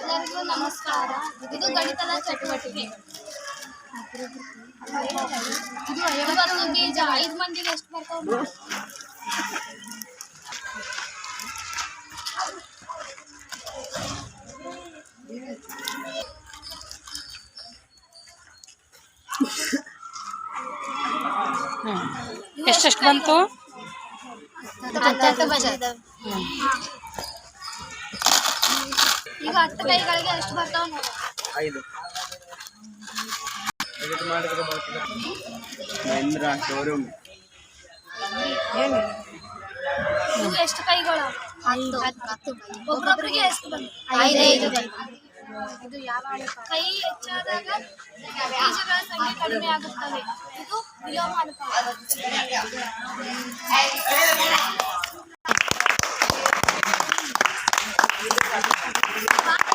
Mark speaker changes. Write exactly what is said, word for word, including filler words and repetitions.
Speaker 1: ಎಲ್ಲರಿಗೂ ನಮಸ್ಕಾರ. ಇದು ಗಣಿತದ ಚಟುವಟಿಕೆ. ಇದು ಐವತ್ತು ಬೀಜ. ಐದು ಮಂದಿಗೆ ಎಷ್ಟು ಬರ್ತಾವ?
Speaker 2: ಎಷ್ಟೆಷ್ಟು ಬಂತು?
Speaker 1: ಹತ್ತತ್ತು ಬಂದಿದ್ದಾವೆ. ಈಗ ಹತ್ತು ಕೈಗಳಿಗೆ ಎಷ್ಟು ಬರ್ತಾವ ನೋಡಿ.
Speaker 3: ಐದು ಮಹೇಂದ್ರ ಶೋರೂಮ್.
Speaker 1: ಇವು ಎಷ್ಟು ಕೈಗಳು? ಹತ್ತು. ಒಬ್ಬೊಬ್ಬರಿಗೆ ಎಷ್ಟು ಬಂತು? ಐದೈದು. ಇದು ಯಾವ ಕೈ ಹೆಚ್ಚಾದಾಗ ಬೀಜಗಳ ಸಂಖ್ಯೆ ಕಡಿಮೆ ಆಗುತ್ತವೆ. ಇದು ವಿಲೋಮ ಅನುಪಾತ.